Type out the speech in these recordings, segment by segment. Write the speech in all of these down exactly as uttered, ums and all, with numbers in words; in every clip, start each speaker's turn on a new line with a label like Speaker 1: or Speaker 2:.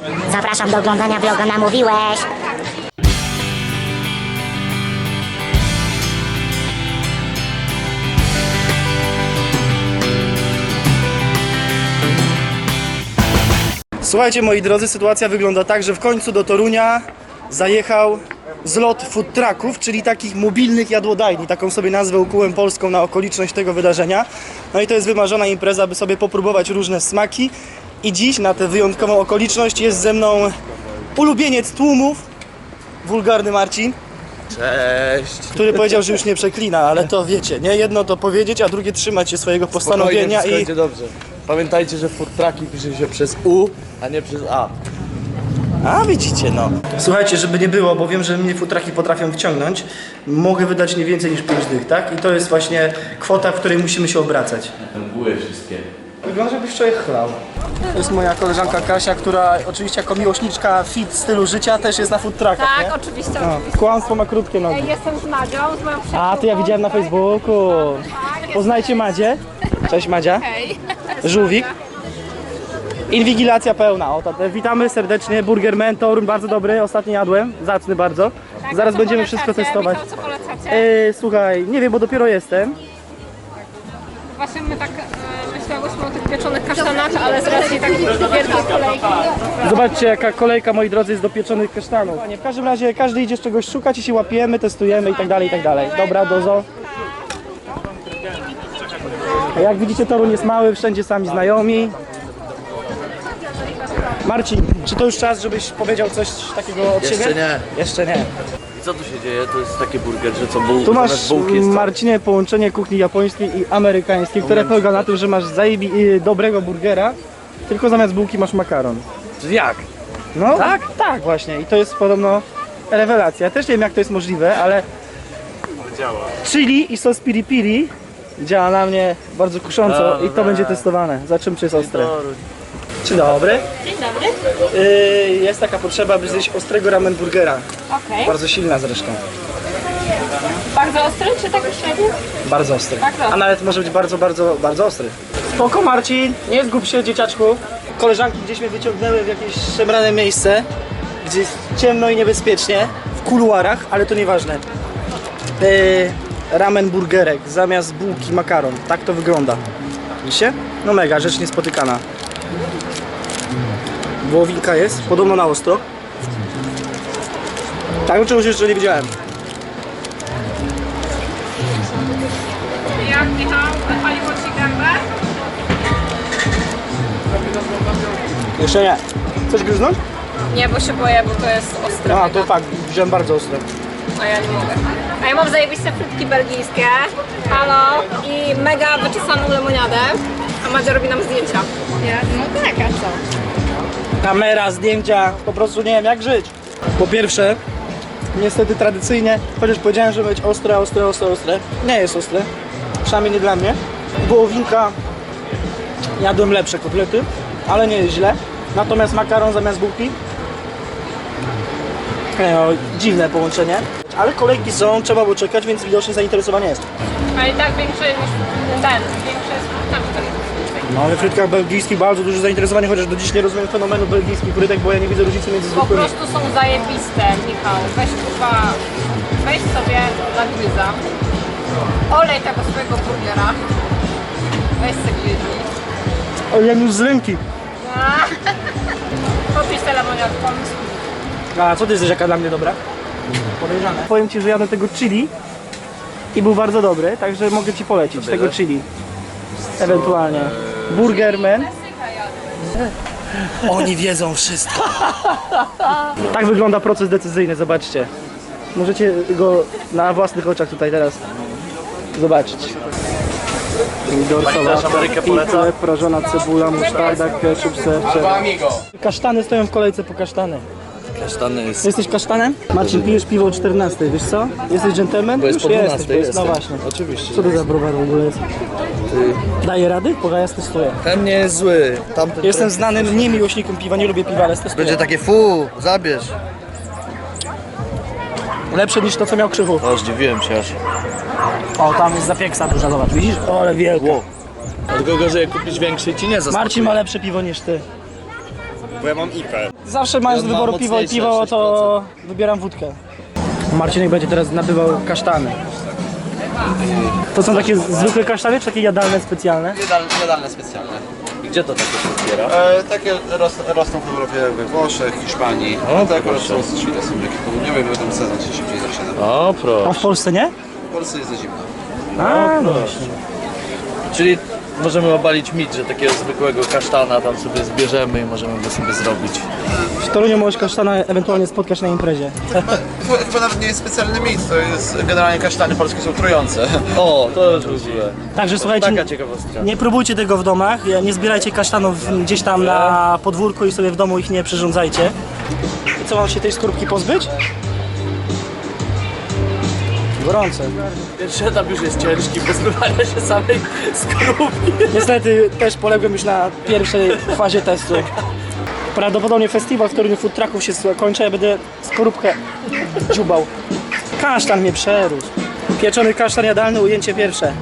Speaker 1: Zapraszam do oglądania vloga Namówiłeś.
Speaker 2: Słuchajcie, moi drodzy, sytuacja wygląda tak, że w końcu do Torunia zajechał zlot food trucków, czyli takich mobilnych jadłodajni. Taką sobie nazwę ukułem polską na okoliczność tego wydarzenia. No i to jest wymarzona impreza, by sobie popróbować różne smaki. I dziś na tę wyjątkową okoliczność jest ze mną ulubieniec tłumów, wulgarny Marcin.
Speaker 3: Cześć!
Speaker 2: Który powiedział, że już nie przeklina, ale to wiecie, nie? Jedno to powiedzieć, a drugie trzymać się swojego postanowienia.
Speaker 3: Spokojnie,
Speaker 2: i
Speaker 3: będzie dobrze. Pamiętajcie, że food trucki pisze się przez U, a nie przez A.
Speaker 2: A widzicie, no. Słuchajcie, żeby nie było, bo wiem, że mnie futraki potrafią wciągnąć, mogę wydać nie więcej niż pięć dych, tak? I to jest właśnie kwota, w której musimy się obracać.
Speaker 3: Mgły wszystkie.
Speaker 2: Wygląda, jakbyś wczoraj chlał. To jest moja koleżanka Kasia, która oczywiście jako miłośniczka fit stylu życia też jest na food truckach,
Speaker 4: Tak,
Speaker 2: nie?
Speaker 4: oczywiście,
Speaker 2: No,
Speaker 4: oczywiście.
Speaker 2: kłamstwo ma krótkie nogi.
Speaker 4: Jestem z Madzią, z moją przyjaciółką.
Speaker 2: A, to ja widziałem na Facebooku. Poznajcie Madzię. Cześć Madzia.
Speaker 4: Hej.
Speaker 2: Żółwik. Inwigilacja pełna. O, to, witamy serdecznie. Burger Mentor, bardzo dobry. Ostatnio jadłem. Zacny bardzo.
Speaker 4: Tak,
Speaker 2: Zaraz
Speaker 4: co
Speaker 2: będziemy
Speaker 4: polecacie?
Speaker 2: wszystko testować.
Speaker 4: Michał, co polecacie?
Speaker 2: E, słuchaj, nie wiem, bo dopiero jestem.
Speaker 4: Właśnie my tak e, myślałyśmy o tych pieczonych kasztanach, ale z racji takich wielkich kolejki.
Speaker 2: Zobaczcie, jaka kolejka, moi drodzy, jest do pieczonych kasztanów. W każdym razie każdy idzie czegoś szukać i się łapiemy, testujemy i tak dalej, i tak dalej. Dobra, dozo. A jak widzicie, Toruń jest mały, wszędzie sami znajomi. Marcin, czy to już czas, żebyś powiedział coś takiego od
Speaker 3: Jeszcze
Speaker 2: siebie?
Speaker 3: nie.
Speaker 2: Jeszcze nie.
Speaker 3: I co tu się dzieje? To jest taki burger, że co buł,
Speaker 2: Tu masz,
Speaker 3: zamiast bułki jest co?
Speaker 2: Marcinie, połączenie kuchni japońskiej i amerykańskiej, które polega na tym, że masz zajebi y, dobrego burgera, tylko zamiast bułki masz makaron.
Speaker 3: Jak?
Speaker 2: No tak? Tak właśnie i to jest podobno rewelacja. Też nie wiem, jak to jest możliwe, ale działa. Chili i sos piri piri działa na mnie bardzo kusząco i to będzie testowane. Zobaczymy, czy jest ostre. Dzień dobry.
Speaker 4: Dzień dobry.
Speaker 2: Yy, jest taka potrzeba, by zjeść ostrego ramen burgera.
Speaker 4: Okej.
Speaker 2: Bardzo silna zresztą.
Speaker 4: Bardzo ostry czy tak średnio?
Speaker 2: Bardzo ostry.
Speaker 4: Bardzo ostry.
Speaker 2: A nawet może być bardzo, bardzo, bardzo ostry. Spoko Marcin, nie zgub się dzieciaczku. Koleżanki gdzieś mnie wyciągnęły w jakieś szemrane miejsce, gdzie jest ciemno i niebezpiecznie, w kuluarach, ale to nieważne. Yy, ramen burgerek, zamiast bułki makaron. Tak to wygląda. Widzicie? No mega, rzecz niespotykana. Wołowinka jest, podobno na ostro. Tak, czegoś jeszcze nie widziałem.
Speaker 4: Jak Michał, wypaliło ci gębę?
Speaker 2: Jeszcze nie. Chcesz gryznąć?
Speaker 4: Nie, bo się boję, bo to jest ostre.
Speaker 2: A, to fakt, wziąłem bardzo ostre.
Speaker 4: A ja nie mogę. A ja mam zajebiste frytki belgijskie, halo, i mega wyczesaną lemoniadę, a Madzia robi nam zdjęcia. Ja? No tak, a co?
Speaker 2: Kamera, zdjęcia, po prostu nie wiem jak żyć. Po pierwsze, niestety tradycyjnie, chociaż powiedziałem, że ma być ostre, ostre, ostre, ostre, nie jest ostre, przynajmniej nie dla mnie. Wołowinka, jadłem lepsze kotlety, ale nie jest źle. Natomiast makaron zamiast bułki, nie, no, dziwne połączenie. Ale kolejki są, trzeba było czekać, więc widocznie zainteresowanie jest.
Speaker 4: Ale i tak większy niż ten, większy jest frytkami.
Speaker 2: No, we frytkach belgijskich bardzo duże zainteresowanie, chociaż do dziś nie rozumiem fenomenu belgijskich frytek, bo ja nie widzę różnicy między
Speaker 4: Po
Speaker 2: zwykłymi.
Speaker 4: prostu są zajebiste, Michał. Weź kurwa, weź sobie na gryza, olej tego swojego burgera, weź sobie gryzi.
Speaker 2: O, jak już z ręki.
Speaker 4: Popisz tę lemoniadką.
Speaker 2: A co ty jesteś jaka dla mnie dobra? Podejrzane. Powiem ci, że jadłem tego chili i był bardzo dobry, także mogę ci polecić tego chili. Ewentualnie. Burgerman. Oni wiedzą wszystko. Tak wygląda proces decyzyjny, zobaczcie. Możecie go na własnych oczach tutaj teraz zobaczyć. Pomidor, sałata, pizza, prażona cebula, musztarda, ketchup, ser. Kasztany stoją w kolejce po kasztany.
Speaker 3: Kasztany jest...
Speaker 2: Jesteś kasztanem? Marcin, pijesz piwo o czternastej, wiesz co? Jesteś dżentelmen?
Speaker 3: Bo jest
Speaker 2: Już
Speaker 3: po
Speaker 2: jesteś,
Speaker 3: dwunastej,
Speaker 2: bo jest, no
Speaker 3: jestem.
Speaker 2: właśnie.
Speaker 3: Oczywiście.
Speaker 2: Co to za browar w ogóle jest? Daje rady? Bo ja testuję.
Speaker 3: Ten nie jest zły. Tamten
Speaker 2: Jestem znanym niemiłośnikiem piwa, nie lubię piwa, ale testuję.
Speaker 3: będzie takie fu, zabierz.
Speaker 2: Lepsze niż to, co miał Krzychu.
Speaker 3: O, zdziwiłem się aż.
Speaker 2: O, tam jest zapieksa duża, zobacz, widzisz? O, ale wielka.
Speaker 3: Wow. Tylko gorzej kupić większy ci nie zaskakuje.
Speaker 2: Marcin ma lepsze piwo niż ty.
Speaker 3: bo ja mam I P.
Speaker 2: Zawsze mając
Speaker 3: Ja
Speaker 2: do
Speaker 3: mam
Speaker 2: wyboru piwo i
Speaker 3: mocniejsze
Speaker 2: piwo,
Speaker 3: sześć
Speaker 2: to wybieram wódkę. Marcinek będzie teraz nabywał kasztany. To są takie zwykłe kasztany, czy takie jadalne specjalne?
Speaker 3: Jadal, jadalne specjalne. I gdzie to takie się zbiera?
Speaker 5: E, takie ros, rosną w Europie, we Włoszech, Hiszpanii.
Speaker 3: O,
Speaker 5: A te akurat
Speaker 3: proszę.
Speaker 5: są z Chile, są jakie południowe, bo ten sezon się szybciej zaczyna.
Speaker 3: O,
Speaker 2: A
Speaker 3: proszę.
Speaker 2: w Polsce nie?
Speaker 5: W Polsce jest za zimno.
Speaker 2: A, no właśnie.
Speaker 3: Czyli możemy obalić mit, że takiego zwykłego kasztana tam sobie zbierzemy i możemy go sobie zrobić.
Speaker 2: W Toruniu możesz kasztana ewentualnie spotkać na imprezie.
Speaker 5: Chyba, chyba nawet nie jest specjalny mit, to jest generalnie kasztany polskie są trujące.
Speaker 3: O, to już mówiłem.
Speaker 2: Także słuchajcie,
Speaker 3: Taka ciekawostka.
Speaker 2: nie próbujcie tego w domach, nie zbierajcie kasztanów gdzieś tam na podwórku i sobie w domu ich nie przyrządzajcie. I co, mam się tej skorupki pozbyć? Gorące.
Speaker 3: Pierwszy etap już jest ciężki, pozbywania się samej skorupki.
Speaker 2: Niestety też poległem już na pierwszej fazie testu. Prawdopodobnie festiwal w Toruniu food trucków się kończy, ja będę skorupkę dziubał. Kasztan mnie przerósł. Pieczony kasztan jadalny, ujęcie pierwsze.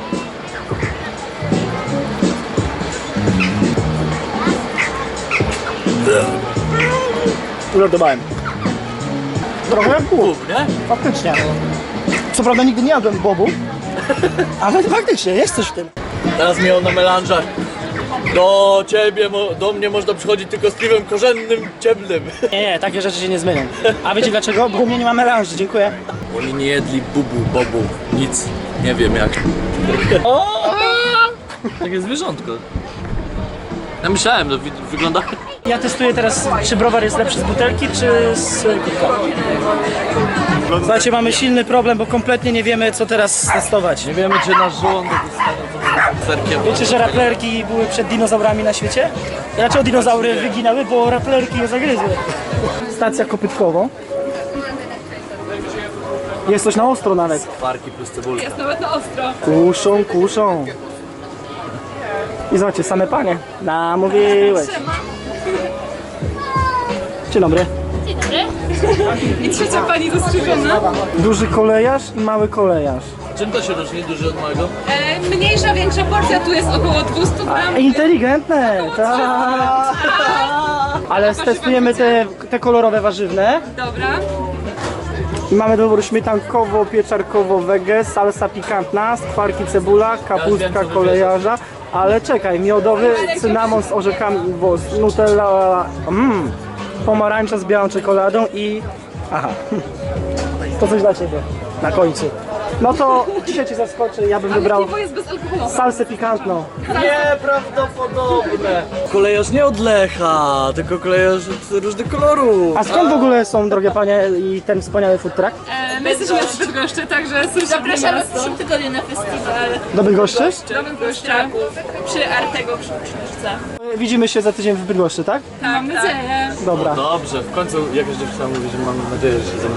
Speaker 2: Uradowałem. Trochę jak bób,
Speaker 3: Nie?
Speaker 2: faktycznie. Co prawda nigdy nie jadłem bobu, ale faktycznie jest coś w tym.
Speaker 3: Teraz miał na melanżach. Do ciebie, mo- do mnie można przychodzić tylko z piwem korzennym, ciemnym.
Speaker 2: Nie, nie, takie rzeczy się nie zmienią. A wiecie dlaczego? Bo u mnie nie ma melanży, dziękuję.
Speaker 3: Oni nie jedli bubu, bobu, nic. Nie wiem jak. Takie zwierzątko. Ja myślałem, no wi- wygląda...
Speaker 2: Ja testuję teraz, czy browar jest lepszy z butelki, czy z kubka. Słuchajcie, mamy silny problem, bo kompletnie nie wiemy, co teraz testować.
Speaker 3: Nie wiemy, czy nasz żołądek jest stanie serkiem.
Speaker 2: Wiecie, że raplerki były przed dinozaurami na świecie? Dlaczego dinozaury wyginały? Bo raplerki je zagryzły. Stacja kopytkowo. Jest coś na ostro nawet.
Speaker 3: Parki plus cebulka.
Speaker 4: Jest nawet na ostro.
Speaker 2: Kuszą, kuszą. I zobaczcie, same panie. Namówiłeś. Dzień dobry.
Speaker 4: I trzecia pani dostrzeżona.
Speaker 2: Duży kolejarz i mały kolejarz.
Speaker 3: Czym to się różni duży od małego?
Speaker 4: E, mniejsza, większa porcja, tu jest około dwieście gram.
Speaker 2: Inteligentne, tak. Ale stestujemy te, te kolorowe warzywne.
Speaker 4: Dobra.
Speaker 2: I mamy do wyboru śmietankowo, pieczarkowo, wege, salsa pikantna, skwarki, cebula, kapustka kolejarza. Ale czekaj, miodowy, cynamon z orzechami, bo z nutella, mm, pomarańcza z białą czekoladą i... Aha, to coś dla Ciebie na końcu. No to dzisiaj Cię zaskoczę, ja bym wybrał
Speaker 4: Piwo jest bezalkoholowe.
Speaker 2: salsę pikantną.
Speaker 3: Nieprawdopodobne! Kolejarz nie od Lecha, tylko kolejarz od różnych kolorów.
Speaker 2: A skąd w ogóle są, drogie panie, i ten wspaniały food truck?
Speaker 4: E, my jesteśmy z Bydgoszczy, także zapraszamy w przyszłym tygodniu na festiwal
Speaker 2: Do Bydgoszczy?
Speaker 4: do Bydgoszcza przy Artego przy uczniówce.
Speaker 2: Widzimy się za tydzień w Bydgoszczy, tak?
Speaker 4: Tak, mam nadzieję.
Speaker 2: Dobra.
Speaker 3: Dobrze, w końcu jakaś dziewczyna mówi, że mam nadzieję, że się ze mną...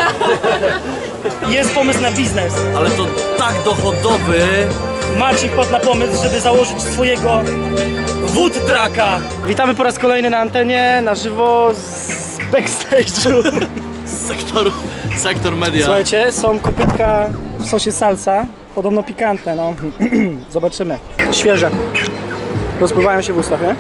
Speaker 2: Jest pomysł na biznes.
Speaker 3: Ale to tak dochodowy!
Speaker 2: Marcin wpadł na pomysł, żeby założyć swojego food trucka. Witamy po raz kolejny na antenie, na żywo z backstage'u.
Speaker 3: Sektor, sektor media.
Speaker 2: Słuchajcie, są kopytka w sosie salsa, podobno pikantne, no. Zobaczymy. Świeże. Rozpływają się w ustach, nie?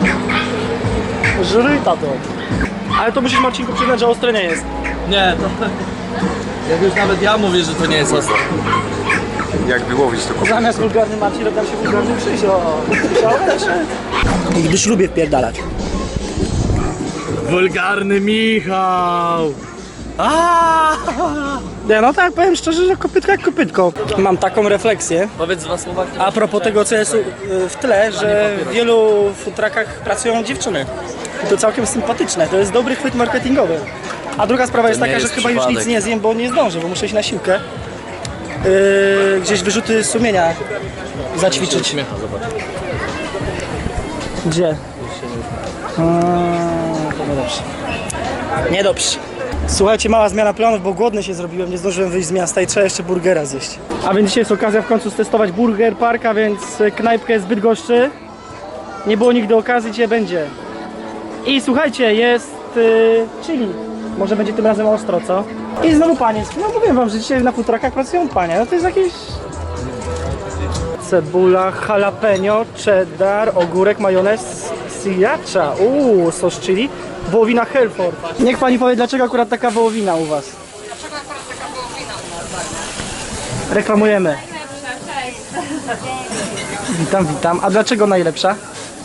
Speaker 2: Żryta to. Ale to musisz, Marcinku, przyznać, że ostre nie jest.
Speaker 3: Nie, to... Jak już nawet ja mówię, że to nie jest ostre.
Speaker 5: Jak wyłowić to
Speaker 2: Zamiast wulgarny Marcin, robią się wulgarny Krzysio. Słyszałeś? Gdyż lubię wpierdalać.
Speaker 3: Wulgarny Michał! Aaaa!
Speaker 2: Nie, no tak, powiem szczerze, że kopytka jak kopytko. Mam taką refleksję.
Speaker 3: Powiedz dwa słowa, które...
Speaker 2: A propos tego, co jest y, w tle, że w wielu food truckach pracują dziewczyny. I to całkiem sympatyczne, to jest dobry chwyt marketingowy. A druga sprawa jest
Speaker 3: nie
Speaker 2: taka, że
Speaker 3: jest
Speaker 2: chyba już
Speaker 3: przypadek.
Speaker 2: nic nie zjem, bo nie zdążę, bo muszę iść na siłkę. Yy, gdzieś wyrzuty sumienia zaćwiczyć.
Speaker 3: Śmiecha, zobacz.
Speaker 2: Gdzie? A, to niedobrze. Niedobrze. Słuchajcie, mała zmiana planów, bo głodny się zrobiłem, nie zdążyłem wyjść z miasta i trzeba jeszcze burgera zjeść. A więc dzisiaj jest okazja w końcu stestować Burger Park, a więc knajpkę z Bydgoszczy. Nie było nigdy okazji, dzisiaj będzie. I słuchajcie, jest yy, chili. Może będzie tym razem ostro, co? I znowu panie. No mówię wam, że dzisiaj na food truckach pracują panie. No to jest jakieś... Cebula, jalapeno, cheddar, ogórek, majonez, sriracha, uuu, sos chili, wołowina Hereford. Niech pani powie, dlaczego akurat taka wołowina u was?
Speaker 4: Dlaczego akurat taka wołowina?
Speaker 2: Reklamujemy.
Speaker 4: Cześć.
Speaker 2: Witam, witam. A dlaczego najlepsza?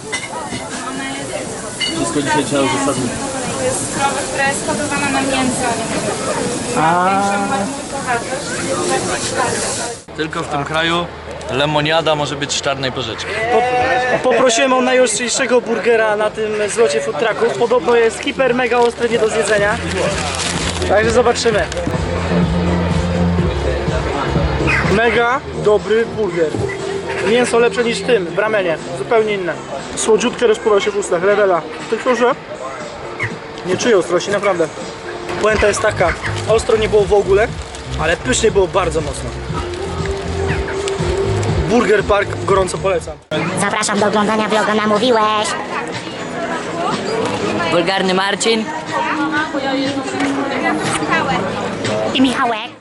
Speaker 3: Wszystko dzisiaj trzeba uzasadnić.
Speaker 6: To jest krowa, która jest hodowana na mięso.
Speaker 2: A,
Speaker 3: Tylko w tym kraju lemoniada może być z czarnej porzeczki.
Speaker 2: poprosiłem o najostrzejszego burgera na tym zlocie food trucków. Podobno jest hiper mega ostry, nie do zjedzenia. Także zobaczymy. Mega dobry burger. Mięso lepsze niż w tym, w ramenie. Zupełnie inne. Słodziutkie rozpływa się w ustach, rewela. Tylko, że nie czuję ostrości, naprawdę. Puenta jest taka, ostro nie było w ogóle, ale pysznie było bardzo mocno. Burger Park gorąco polecam.
Speaker 1: Zapraszam do oglądania vloga Namówiłeś.
Speaker 7: Wulgarny Marcin.
Speaker 1: I Michałek.